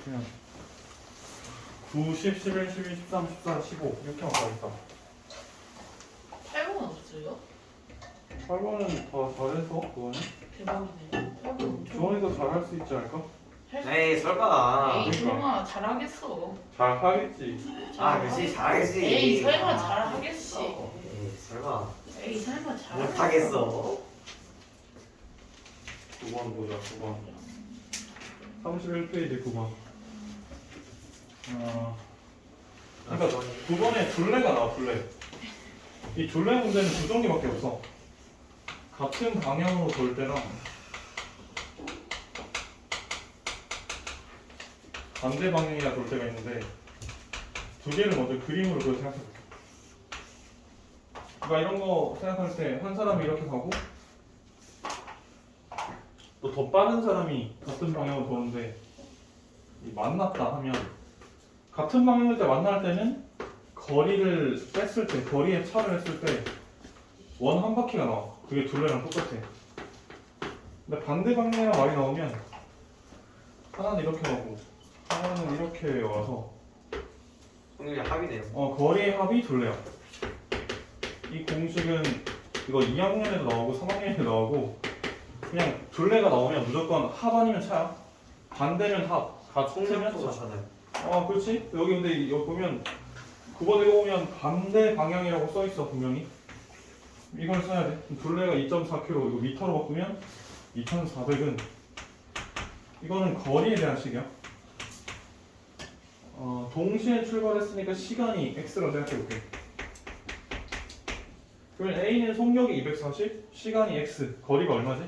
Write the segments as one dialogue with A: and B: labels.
A: 그냥 9, 10, 11, 12, 13, 14, 15 이렇게만 가겠다.
B: 8번은 없어요?
A: 8번은 더 잘해서 그거는
B: 대박이네. 8번 엄청.
A: 주원이도 잘할 수 있지 않을까?
C: 에이 설마.
B: 에이
A: 그러니까.
B: 설마 잘하겠어.
A: 잘하겠지.
C: 그렇지 잘하겠지.
B: 에이 설마 잘하겠어.
C: 에이 설마.
B: 에이 설마 잘하겠어.
C: 못하겠어.
A: 9번 보자. 9번 31페이지 9번. 그러니까 9번에 둘레가 나와. 둘레. 이 둘레 문제는 두 종류밖에 없어. 같은 방향으로 돌 때랑 반대 방향이라 돌 때가 있는데 두 개를 먼저 그림으로 그려 생각해볼게. 그러니까 이런 거 생각할 때 한 사람이 이렇게 가고 또 더 빠른 사람이 같은 방향으로 도는데 만났다 하면 같은 방향일 때 만날 때는 거리를 뺐을 때 거리의 차를 했을 때 원 한 바퀴가 나와. 그게 둘레랑 똑같아. 근데 반대 방향이랑 말이 나오면 하나는 이렇게 가고 하나는 이렇게 와서
C: 성률이 합이네요.
A: 거리의 합이 둘레야. 이 공식은 이거 2학년에도 나오고 3학년에도 나오고 그냥 둘레가 나오면 무조건 합 아니면 차야. 반대면 합. 같으면
C: 성률도
A: 차.
C: 좋잖아요.
A: 그렇지. 여기 근데 여기 보면 9번 읽어보면 반대 방향이라고 써있어 분명히. 이걸 써야 돼. 둘레가 2.4km 이거 미터로 바꾸면 2,400은 이거는 거리에 대한 식이야. 동시에 출발했으니까 시간이 x라고 생각해볼게. 그러면 A는 속력이 240, 시간이 x, 거리가 얼마지?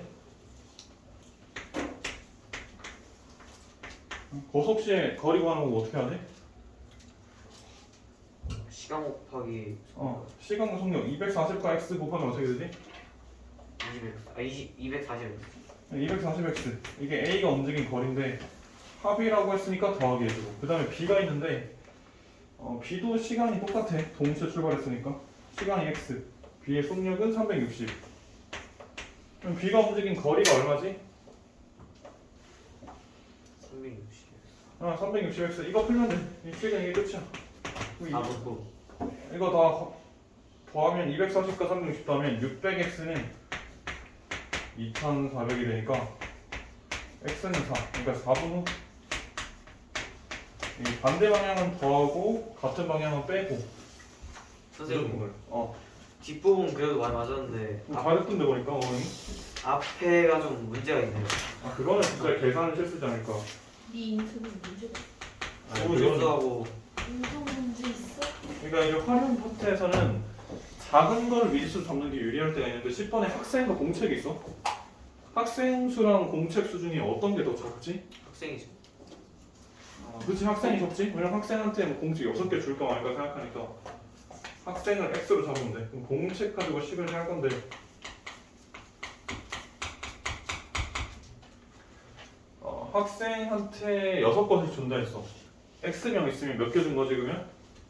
A: 고속시에 거리 구하는 거 어떻게 하지?
C: 시간 곱하기
A: 시간과 속력 240과 x 곱하면 어떻게 되지?
C: 240x.
A: 240x. 이게 A가 움직인 거리인데 합이라고 했으니까 더하기 해주고 그 다음에 B가 있는데 B도 시간이 똑같아. 동시에 출발했으니까 시간이 x, B의 속력은 360. 그럼 B가 움직인 거리가 얼마지?
C: 360x.
A: 360x. 이거 풀면 돼. 이 시간 이게 끝이야.
C: 4분고.
A: 이거 다 더하면 240과 360 더하면 600x는 2400이 되니까 x는 4. 그러니까 4분 후. 이 반대 방향은 더하고 같은 방향은 빼고.
C: 선생님
A: 어.
C: 뒷부분 그래도 많이 맞았는데
A: 잘했던데 보니까 어머니.
C: 앞에가 좀 문제가 있네요.
A: 그거는 진짜 계산을 실수지 않을까.
B: 네 인터넷 문제가
C: 너무 실수하고.
B: 인성 문제 있어?
A: 그러니까 이제 활용 파트에서는 작은 걸 미지수로 잡는 게 유리할 때가 있는데 10번에 학생과 공책이 있어. 학생 수랑 공책 수준이 어떤 게 더 작지?
C: 학생이죠.
A: 그치, 학생이 적지? 왜냐면 학생한테 뭐 공책 6개 줄까 말까 생각하니까 학생을 x로 잡으면 돼. 그럼 공책 가지고 식을 할 건데 학생한테 6건씩 준다 했어. x명 있으면 몇 개 준 거지 그러면?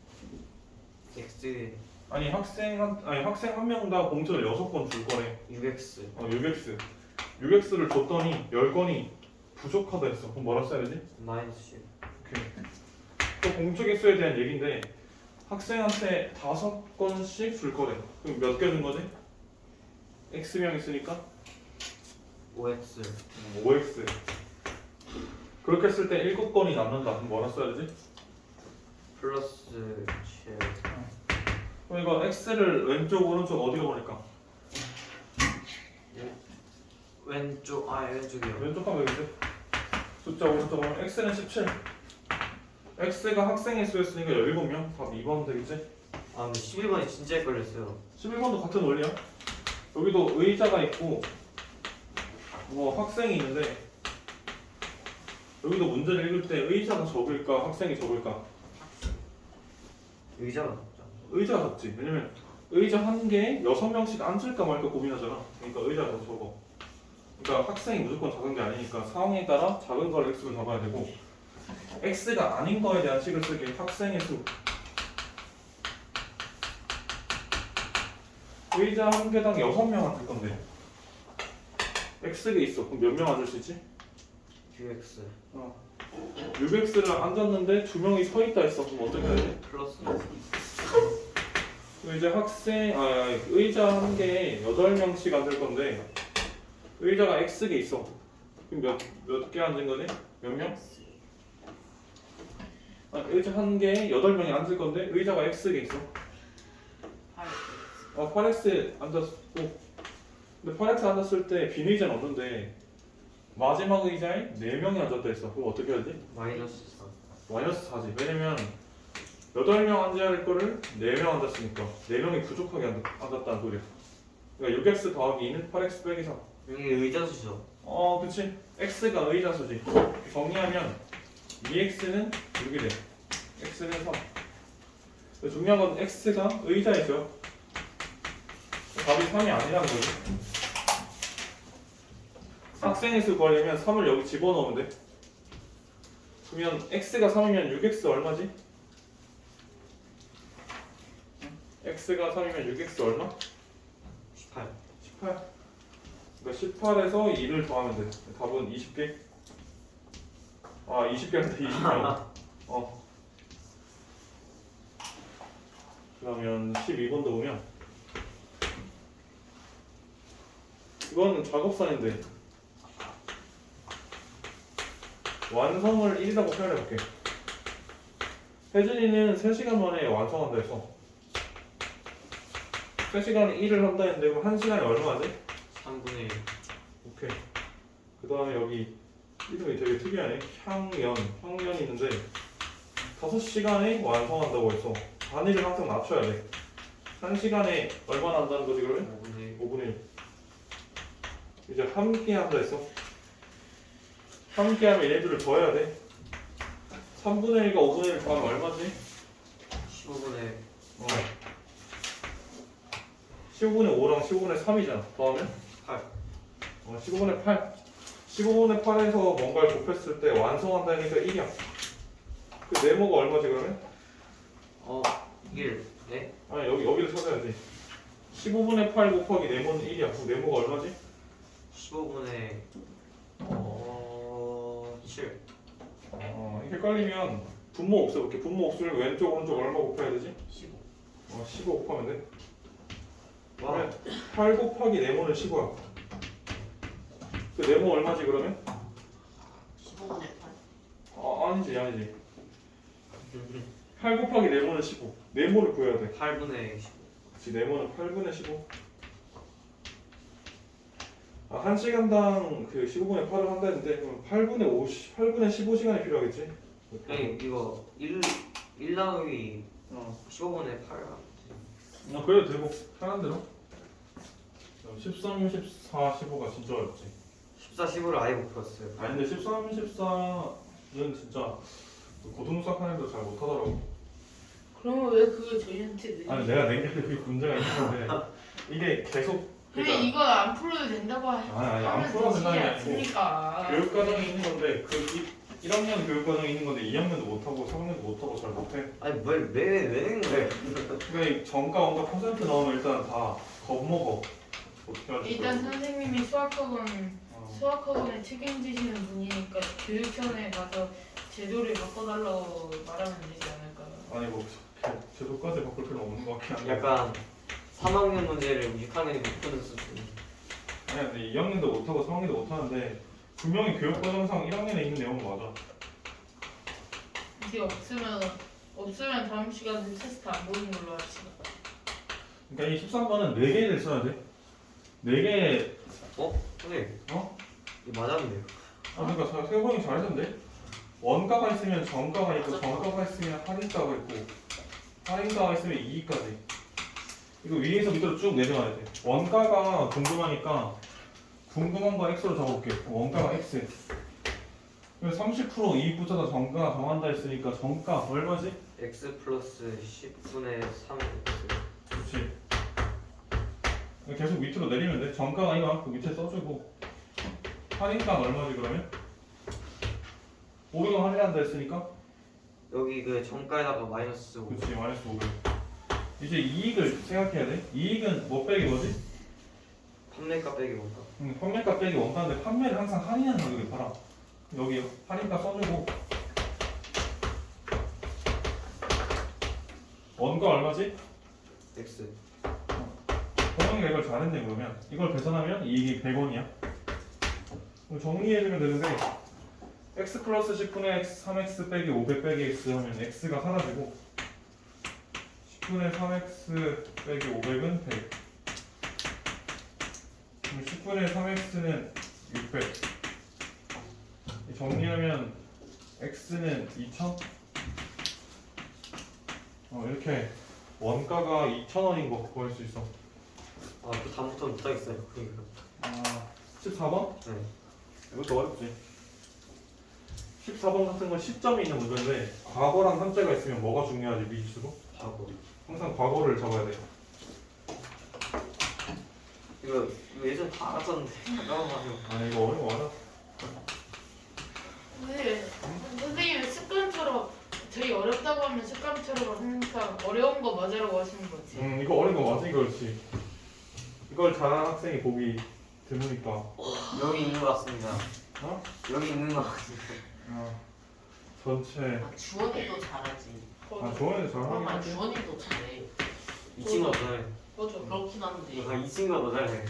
C: x
A: 아니 학생 한 명당 공책을 6건 줄 거래.
C: 6x
A: 6x 6x를 줬더니 10건이 부족하다 했어. 그럼 뭐라 써야 되지?
C: 마이너스 10.
A: 오케이. 또 공책 개수에 대한 얘기인데 학생한테 5건씩 줄 거래. 그럼 몇 개 준 거지? x명 있으니까
C: 5x
A: 5x. 그렇게 했을 때 7건이 남는다. 그럼 뭐라 써야 되지?
C: 플러스 7.
A: 그럼 이거 x를 왼쪽 오른쪽 어디로 보낼까?
C: 왼쪽이요.
A: 왼쪽 하면 되겠지? 숫자 오른쪽 하면 x는 17. x가 학생의 수였으니까 17명. 답 2번 되겠지?
C: 근데 11번이 진짜 헷갈렸어요.
A: 11번도 같은 원리야. 여기도 의자가 있고 학생이 있는데 여기도 문제를 읽을 때 의자가 적을까 학생이 적을까?
C: 의자가 높죠.
A: 의자가 적지. 왜냐면 의자 한 개에 6명씩 앉을까 말까 고민하잖아. 그러니까 의자가 더 적어. 그러니까 학생이 무조건 작은 게 아니니까 상황에 따라 작은 걸 x로 잡아야 되고 x가 아닌 거에 대한 식을 쓰기에 학생의 수. 의자 한 개당 6명 앉을 건데 x가 있어. 그럼 몇 명 앉을 수 있지?
C: qx
A: 6x를 앉았는데 두 명이 서 있다 했어. 그럼 어떻게 해야 돼?
C: 플러스
A: 그럼 이제 의자 한 개에 8명씩 앉을 건데 의자가 x개 있어. 그럼 몇 개 앉은 거지? 몇 명? 의자 한 개에 8명이 앉을 건데 의자가 x개 있어. 8x 앉았고 근데 8x 앉았을 때 빈 의자는 없는데 마지막 의자에 4명이 앉았다 했어. 그럼 어떻게 해야 돼?
C: 마이너스 4.
A: 마이너스 4지. 왜냐면 8명 앉아야 할 거를 4명 앉았으니까 4명이 부족하게 앉았다는 소리야. 그러니까 6x 더하기 2는 8x 빼기 3.
C: 여기 의자수죠.
A: 그치. x가 의자수지. 정리하면 2x는 6이 돼. x는 3. 근데 중요한 건 x가 의자이죠. 답이 3이 아니라는 거지. 학생의 수 구하려면 3을 여기 집어넣으면 돼. 그러면 x가 3이면 6x 얼마지? x가 3이면 6x 얼마?
C: 18.
A: 18. 그러니까 18에서 2를 더하면 돼. 답은 20개. 20개한테 20개. 그러면 12번도 보면 이건 작업산인데 완성을 1이라고 표현해볼게. 혜준이는 3시간 만에 완성한다 해서 3시간에 1을 한다 했는데 그럼 1시간에 얼마지?
C: 3분의 1.
A: 오케이. 그 다음에 여기 이름이 되게 특이하네. 형연이 있는데 5시간에 완성한다고 했어. 단위를 항상 낮춰야 돼. 1시간에 얼마나 한다는 거지 그러면?
C: 5분의 1.
A: 5분의 1. 이제 함께 한다 했어. 함께 하면 얘들을 더해야 돼. 3분의 1과 5분의 1 더하면 얼마지?
C: 15분의
A: 15분의 5랑 15분의 3이잖아. 더하면?
C: 8.
A: 15분의 8. 15분의 8에서 뭔가를 곱했을 때 완성한다니까 1이야. 그 네모가 얼마지 그러면?
C: 1. 네?
A: 아니 여기를 찾아야지. 15분의 8 곱하기 네모는 1이야. 그 네모가 얼마지?
C: 15분의 7.
A: 헷갈리면 분모 없애볼게. 분모 없으면 왼쪽 오른쪽 얼마 곱해야 되지?
C: 15.
A: 15 곱하면 돼.
C: 와.
A: 그러면 8 곱하기 네모는 15야. 그 네모 얼마지 그러면?
B: 15분의 8.
A: 아니지. 8 곱하기 네모는 15. 네모를 구해야 돼.
C: 8분의 15.
A: 그치, 네모는 8분의 15. 1시간당 그 15분의 8을 한다 했는데 그럼 8분의 15시간이 필요하겠지?
C: 형님 이거 1 나누기 15분의 8.
A: 그래도 되고 편한 대로. 13, 14, 15가 진짜 어렵지.
C: 14, 15를 아예 못 풀었어요.
A: 아니 근데 13, 14는 진짜 고등수학하는 애들 잘 못하더라고.
B: 그러면 왜 그걸 저희한테 내?
A: 아니 내가 낸 게 그게 문제가 있는데 이게 계속
B: 그래 이거 안 풀어도 된다고
A: 아니, 안
B: 하면
A: 풀어도
B: 되지
A: 된다는 게
B: 않습니까?
A: 교육과정이 있는 건데 1학년 교육과정이 있는 건데 2학년도 못하고 3학년도 못하고 잘 못해.
C: 아니 왜 낸 거예요?
A: 그러니까 이 정가 원가 퍼센트 나오면 일단 다 겁먹어. 어떻게 할지
B: 일단
A: 모르겠어.
B: 선생님이 수학학원에 책임지시는 분이니까 교육청에 가서 제도를 바꿔달라고 말하면 되지 않을까요?
A: 아니 뭐 제도까지 바꿀 필요 없는 것 같긴 한데.
C: 약간 3학년 문제를 6학년이 못 푸는 수준.
A: 아니 근데 2학년도 못하고 3학년도 못하는데 분명히 교육과정상 1학년에 있는 내용은 맞아.
B: 이게 없으면 다음 시간에 테스트 안 보는 걸로 합시다.
A: 그러니까 이 13번은 4개를 써야 돼. 4개.
C: 선생님.
A: 어?
C: 이거 맞았는데요.
A: 그러니까 세번이 잘했는데 원가가 있으면 정가가 있고 정가가 있으면 할인가가 있고 할인가가 있으면 이익까지. 이거 위에서 밑으로 쭉 내려가야 돼. 원가가 궁금하니까 궁금한 거 x로 적어볼게. 원가가 x. 30% 이익부터다 정가 정한다 했으니까 정가 얼마지?
C: x 플러스 10분의 3x.
A: 그렇지. 계속 밑으로 내리면 돼. 정가가 이거 그 밑에 써주고 할인가 얼마지 그러면? 500원 할인한다 했으니까
C: 여기 그 정가에다가 마이너스 5.
A: 그렇지 마이너스 500. 이제 이익을 생각해야 돼. 이익은 뭐 빼기 뭐지?
C: 판매가 빼기 원가.
A: 판매가 빼기 원가인데 판매를 항상 할인하는 가격에 팔아. 여기 할인가 써주고 원가 얼마지?
C: X.
A: 동영이가 이걸 잘했네. 그러면 이걸 계산하면 이익이 100원이야. 그럼 정리해주면 되는데 x 플러스 10분의 x 3x 빼기 500 빼기 x 하면 x가 사라지고 10분의 3x 빼기 500은 100. 그럼 10분의 3x는 600. 정리하면 x는 2000. 이렇게 원가가 2,000원인 거 구할 수 있어.
C: 아, 그 다음부터 못하겠어요. 그러니까.
A: 14번?
C: 네.
A: 이것도 어렵지. 14번 같은 건 시점이 있는 문제인데 과거랑 현재가 있으면 뭐가 중요하지 미지수로?
C: 하고.
A: 항상 과거를 잡아야 돼.
C: 이거 예전 다 알았었는데. 잠깐만요.
A: 아 이거 어려워 알아.
B: 네. 선생님은 습관처럼 되게 어렵다고 하면 습관처럼 항상 어려운 거 맞으라고 하시는 거지.
A: 이거 어려운 거 맞지 그렇지. 이걸 잘하는 학생이 보기 드무니까.
C: 여기 있는 것 같습니다.
A: 어?
C: 여기 있는 것 같습니다.
A: 전체.
D: 아, 주원이도 잘하지.
A: 조원이도
D: 그럼
A: 잘하긴
D: 아
A: 하지.
D: 주원이도 잘해.
C: 이 친구가 더 잘해.
B: 맞아.
D: 그렇긴 한데
C: 이 친구가 더 잘해.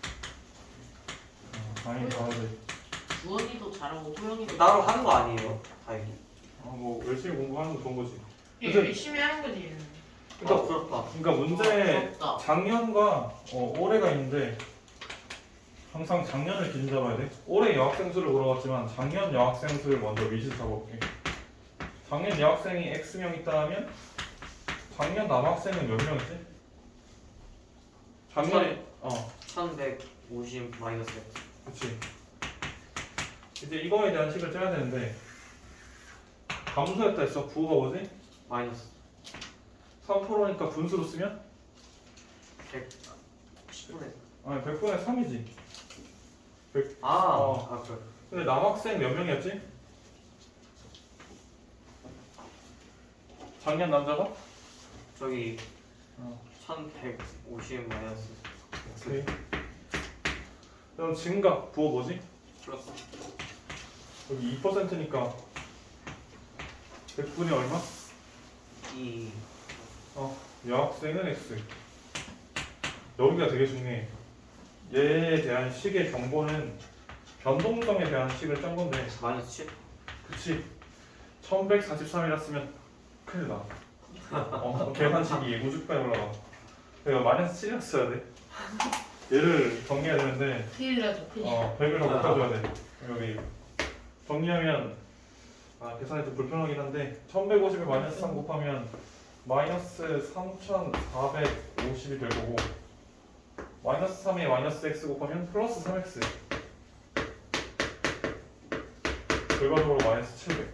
A: 당연히 잘하지.
D: 주원이도 잘하고 호영이도
C: 따로 하는 거 아니에요? 다행히.
A: 뭐 열심히 공부하는 거 좋은 거지.
B: 이게 열심히 하는 거지. 얘는.
A: 그러니까,
C: 부럽다.
A: 그러니까 문제
D: 부럽다.
A: 작년과 올해가 있는데 항상 작년을 기준 잡아야 돼. 올해 여학생 수를 물어봤지만 작년 여학생 수를 먼저 미지수 잡아볼게. 작년 여학생이 X명 있다 하면 작년 남학생은 몇 명이지? 작년에
C: 1150 마이너스 X.
A: 그치. 이제 이거에 대한 식을 짜야 되는데 감소했다 했어. 부호가 뭐지?
C: 마이너스
A: 3%니까 분수로 쓰면?
C: 10분의.
A: 아니 100분의 3이지.
C: 아,
A: 어.
C: 그래.
A: 근데 남학생 몇 명이었지? 작년 남자가?
C: 저기
A: 어.
C: 1150 마이너스
A: 오케이. 그럼 증가 부호 뭐지?
C: 플러스
A: 여기 2%니까 100분의 얼마?
C: 2.
A: 여학생은 X. 여기가 되게 중요해. 얘에 대한 식의 정보는 변동성에 대한 식을 짠 건데
C: 마이너스 7.
A: 그치 1143이라 쓰면 큰일 나. 계산식이 우주까지 올라가. 내가 마이너스 7이라 써야 돼. 얘를 정리해야 되는데
B: 큰일 나죠. 큰일.
A: 100을 더 바꿔줘야 돼. 여기 정리하면 계산이 좀 불편하긴 한데 1150에 마이너스 3 곱하면 마이너스 3450이 될 거고 마이너스 3에 마이너스 x 곱하면 플러스 3x 결과적으로 마이너스 700.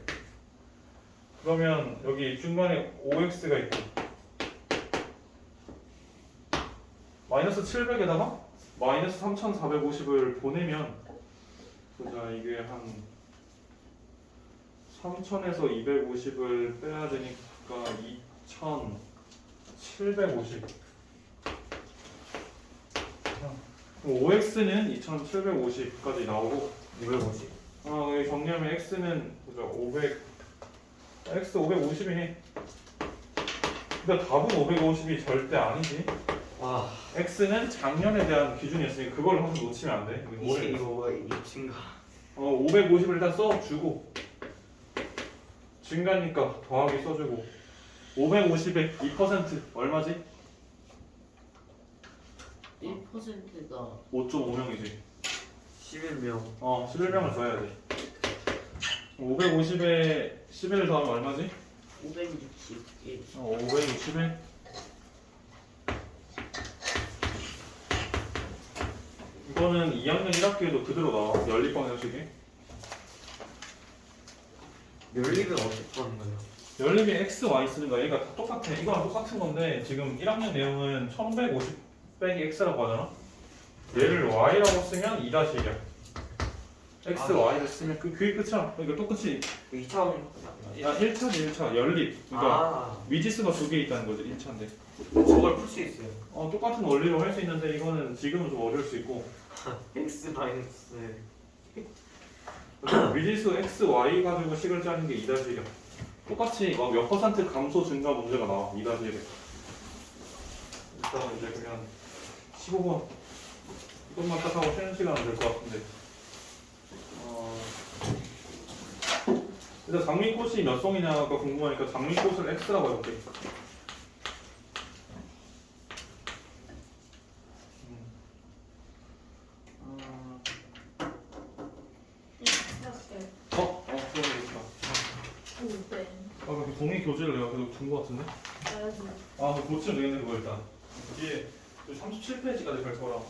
A: 그러면 여기 중간에 5x가 있고 마이너스 700에다가 마이너스 3450을 보내면 보자 이게 한 3000에서 250을 빼야 되니까 2750. 그럼 5x는 2750까지 나오고
C: 250.
A: 여기 정리하면 x는 보자 500 x 550이네. 근데 답은 550이 절대 아니지.
C: 와,
A: x는 작년에 대한 기준이었으니까 그걸 항상 놓치면 안 돼.
C: 이게 이거 증가.
A: 550을 일단 써주고 증가니까 더하기 써주고 550에 2% 얼마지?
D: 1%가
A: 5.5명이지.
C: 11명.
A: 11명을 써야 돼. 550에 11을 더하면 얼마지?
D: 561.
A: 560에 이거는 2학년 1학기에도 그대로 나와. 연립방 형식이.
C: 연립은 어떻게 하는 거예요?
A: 연립이 x, y 쓰는 거야. 얘가 다 똑같아. 이거랑 똑같은 건데 지금 1학년 내용은 1150 빼기 x라고 하잖아. 얘를 y라고 쓰면 2-1이야. x, y를 쓰면 그게 끝이야. 그러니까 똑같이
C: 2차원.
A: 1차지 1차 연립. 그러니까 미지수가 2개 있다는 거지 1차인데.
C: 저걸 풀 수 있어요.
A: 똑같은 원리로 할 수 있는데 이거는 지금은 좀 어려울 수 있고
C: x 마이너스.
A: 미지수 x, y 가지고 식을 짜는 게 2-1이야. 똑같이 막 몇 퍼센트 감소 증가 문제가 나와. 2-1에. 일단 이제 그냥 15번 이것만 딱 하고 쉬는 시간은 될 것 같은데. 일단 장미꽃이 몇 송이냐가 궁금하니까 장미꽃을 X라고 해볼게. 그러니까.
B: 네.
A: 그 종이 교재를 내가 계속 준 것 같은데? 그 고치면 되겠네, 그거 일단. 뒤에 37페이지까지 펼쳐라.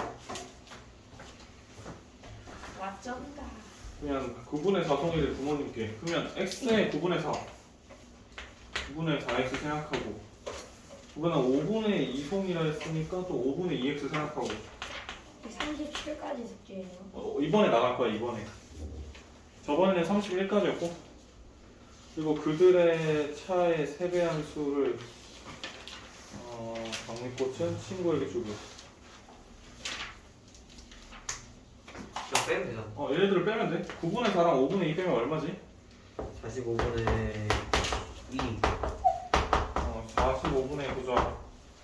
B: 와쩐다.
A: 그냥 9분의 4송이를 부모님께. 그러면 x의 9분의 4. 9분의 4x 생각하고. 그거는 5분의 2송이라 했으니까 또 5분의 2x 생각하고.
E: 37까지 숙제예요.
A: 이번에 나갈 거야, 이번에. 저번에는 31까지였고. 그리고 그들의 차의 세배한 수를 장미꽃은 친구에게 주고.
C: 그냥 빼면 되잖아.
A: 얘네들을 빼면 돼. 9분의 4랑 5분의 2 빼면 얼마지?
C: 45분의 2.
A: 45분의 보자.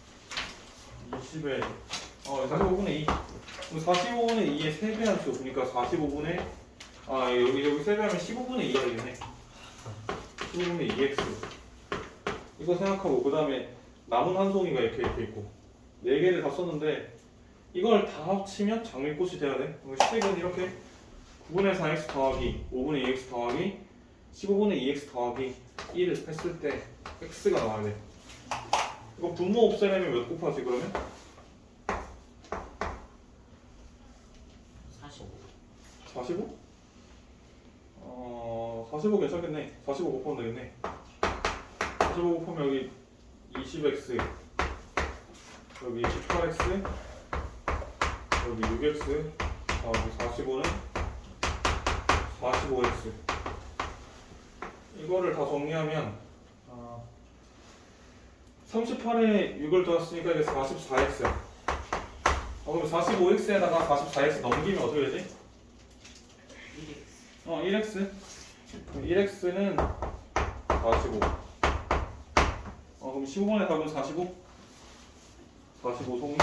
A: 20에 45분의 2. 45분의 2의 세배한 수. 그러니까 45분의 여기 세배하면 15분의 2가 되겠네. 15분의 2x. 이거 생각하고 그 다음에 남은 한 송이가 이렇게 있고 4개를 다 썼는데 이걸 다 합치면 장미꽃이 돼야 돼. 식은 이렇게 9분의 4x 더하기 5분의 2x 더하기 15분의 2x 더하기 1을 했을 때 x가 나와야 돼. 이거 분모 없애려면 몇 곱하지 그러면?
D: 45.
A: 45? 45 괜찮겠네. 45 곱하면 되겠네. 45 곱하면 여기 20x 여기 18x 여기 6x 여기 45는 45x. 이거를 다 정리하면 38에 6을 더했으니까 이게 44x야. 그럼 45x에다가 44x 넘기면 어떻게 되지? 1x. 1x는 45. 그럼 15번의 답은 45? 45 송이?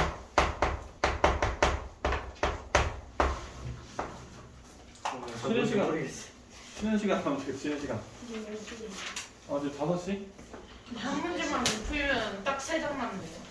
A: 쉬는 시간. 쉬는 시간 하면 되겠지, 쉬는 시간.
E: 지금 10시.
A: 이제 5시?
B: 한 문제만 못 풀면 딱 3장 남네요.